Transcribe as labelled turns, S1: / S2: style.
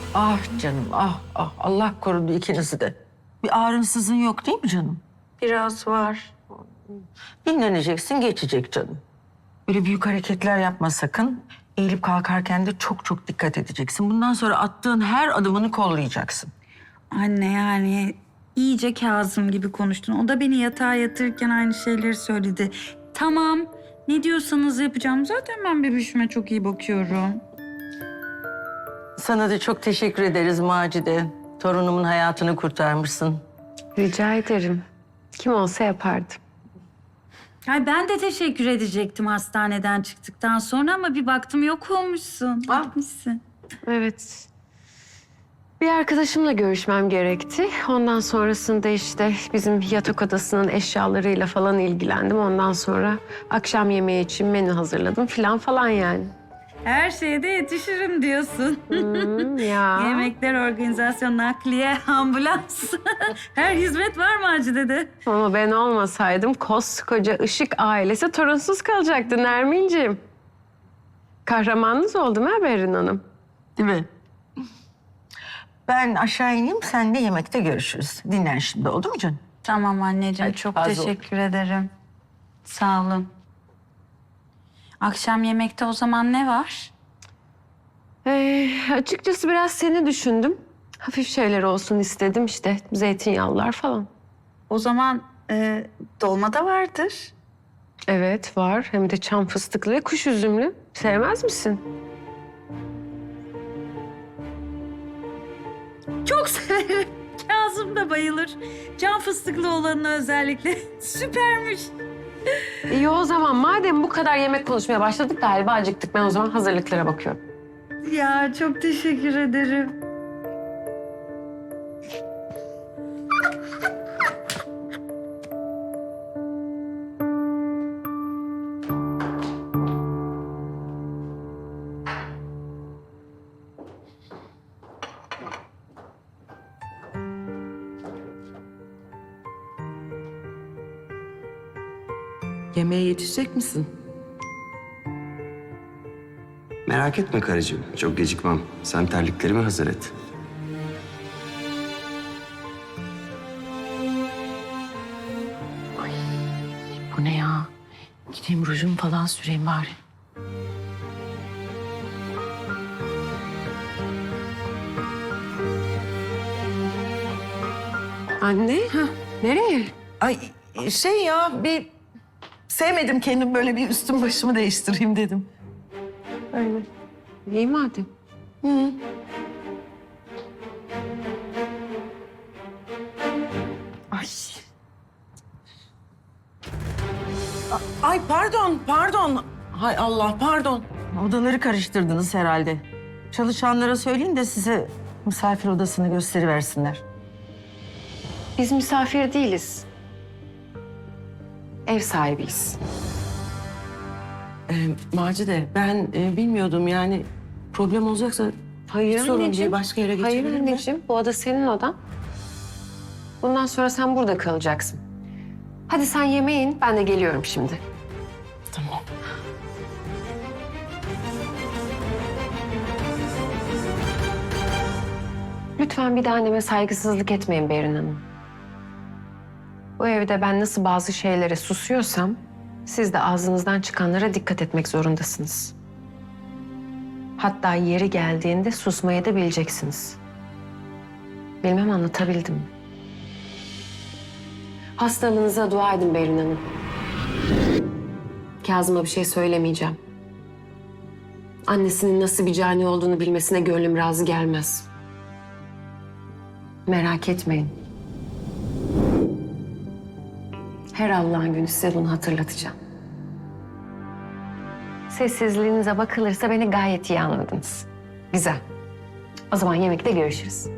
S1: Ah canım, ah ah. Allah korudu ikinizi de. Bir ağrınsızın yok değil mi canım?
S2: Biraz var.
S1: Dinleneceksin, geçecek canım. Böyle büyük hareketler yapma sakın. Eğilip kalkarken de çok çok dikkat edeceksin. Bundan sonra attığın her adımını kollayacaksın.
S2: Anne yani iyice Kazım gibi konuştun. O da beni yatağa yatırırken aynı şeyleri söyledi. Tamam, ne diyorsanız yapacağım. Zaten ben bebişime çok iyi bakıyorum.
S1: Sana da çok teşekkür ederiz Macide. Torunumun hayatını kurtarmışsın.
S3: Rica ederim. Kim olsa yapardı.
S2: Ay ben de teşekkür edecektim hastaneden çıktıktan sonra ama bir baktım yok olmuşsun. Gitmişsin.
S3: Evet. Bir arkadaşımla görüşmem gerekti. Ondan sonrasında işte bizim yatak odasının eşyalarıyla falan ilgilendim. Ondan sonra akşam yemeği için menü hazırladım falan yani.
S2: Her şeye de yetişirim diyorsun.
S3: Ya.
S2: Yemekler, organizasyon, nakliye, ambulans. Her hizmet var Macide'de.
S3: Ama ben olmasaydım koskoca Işık ailesi torunsuz kalacaktı Nermin'ciğim. Kahramanınız oldum ha Berin Hanım.
S1: Değil mi? Ben aşağı ineyim, seninle yemekte görüşürüz. Dinlen şimdi, oldu mu canım?
S2: Tamam anneciğim,
S1: Hadi,
S2: çok
S1: fazla
S2: teşekkür ederim. Sağ olun. Akşam yemekte o zaman ne var?
S3: Açıkçası biraz seni düşündüm. Hafif şeyler olsun istedim işte. Zeytinyağlılar falan.
S2: O zaman dolma da vardır.
S3: Evet var. Hem de çam fıstıklı ve kuş üzümlü. Sevmez misin?
S2: Çok severim. Kazım da bayılır. Can fıstıklı olanı özellikle. Süpermiş.
S3: İyi o zaman madem bu kadar yemek konuşmaya başladık galiba acıktık. Ben o zaman hazırlıklara bakıyorum.
S2: Ya çok teşekkür ederim.
S4: Yemeğe yetişecek misin?
S5: Merak etme karıcığım, çok gecikmem. Sen terliklerimi hazır et.
S1: Bu ne ya? Gideyim rujumu falan süreyim bari.
S3: Anne, nereye?
S6: Ay şey ya bir sevmedim kendim böyle bir üstüm başımı değiştireyim dedim. Öyle.
S3: İyi madem.
S6: Ay. Ay pardon. Hay Allah pardon.
S1: Odaları karıştırdınız herhalde. Çalışanlara söyleyin de size misafir odasını gösteriversinler.
S3: Biz misafir değiliz. Ev sahibiyiz.
S4: Macide, ben bilmiyordum yani problem olacaksa
S3: Hayır
S4: sorun
S3: anneciğim.
S4: değil, başka yere
S3: Hayır
S4: geçebilir mi?
S3: anneciğim, bu oda senin odan. Bundan sonra sen burada kalacaksın. Hadi sen yemeğe in, ben de geliyorum şimdi.
S4: Tamam.
S3: Lütfen bir de anneme saygısızlık etmeyin Berin Hanım. Bu evde ben nasıl bazı şeylere susuyorsam, siz de ağzınızdan çıkanlara dikkat etmek zorundasınız. Hatta yeri geldiğinde susmayı da bileceksiniz. Bilmem anlatabildim mi? Hastalığınıza dua edin Berin Hanım. Kazım'a bir şey söylemeyeceğim. Annesinin nasıl bir cani olduğunu bilmesine gönlüm razı gelmez. Merak etmeyin. Her Allah'ın günü size bunu hatırlatacağım. Sessizliğinize bakılırsa beni gayet iyi anladınız. Güzel. O zaman yemekte görüşürüz.